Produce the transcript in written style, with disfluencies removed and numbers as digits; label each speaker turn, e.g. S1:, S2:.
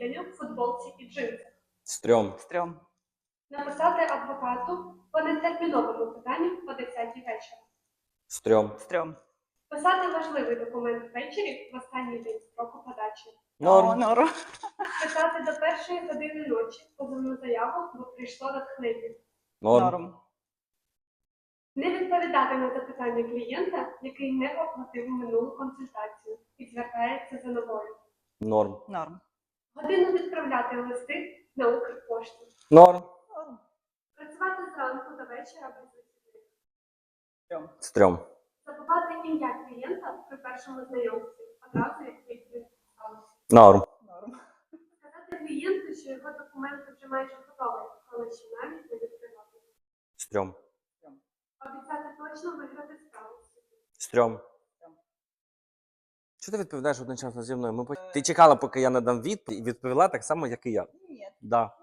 S1: засіданню в футболці і джинсах.
S2: Стрьом.
S3: Стрьом.
S1: Написати адвокату по нетерміновому питанню о 10 вечора.
S2: Стрьом.
S3: Стрьом.
S1: Писати важливий документ ввечері в останній день строку подачі.
S2: Норм.
S3: Норм.
S1: Писати до 1-ї години ночі позовну заяву, бо прийшло натхнення.
S2: Норм.
S3: Норм.
S1: Не відповідати на запитання клієнта, який не оплатив минулу консультацію і звертається за новою.
S2: Норм.
S3: Норм.
S1: Годину відправляти листи на Укрпошту.
S2: Норм.
S3: Норм.
S1: Працювати зранку до вечора без вихідних.
S3: Стрьом.
S2: Стрьом.
S1: Забувати ім'я клієнта при першому знайомстві, одразу як тільки сталося.
S2: Норм.
S3: Норм.
S1: Сказати клієнту, що його документи вже майже готові, коли ще навіть не відкривати.
S2: Стрьом.
S1: Обіцяти точно виграти справу.
S2: Стрьом. Чого ти відповідаєш одночасно зі мною? Ти чекала, поки я надам відповідь, і відповіла так само, як і я.
S3: Ні.
S2: Да.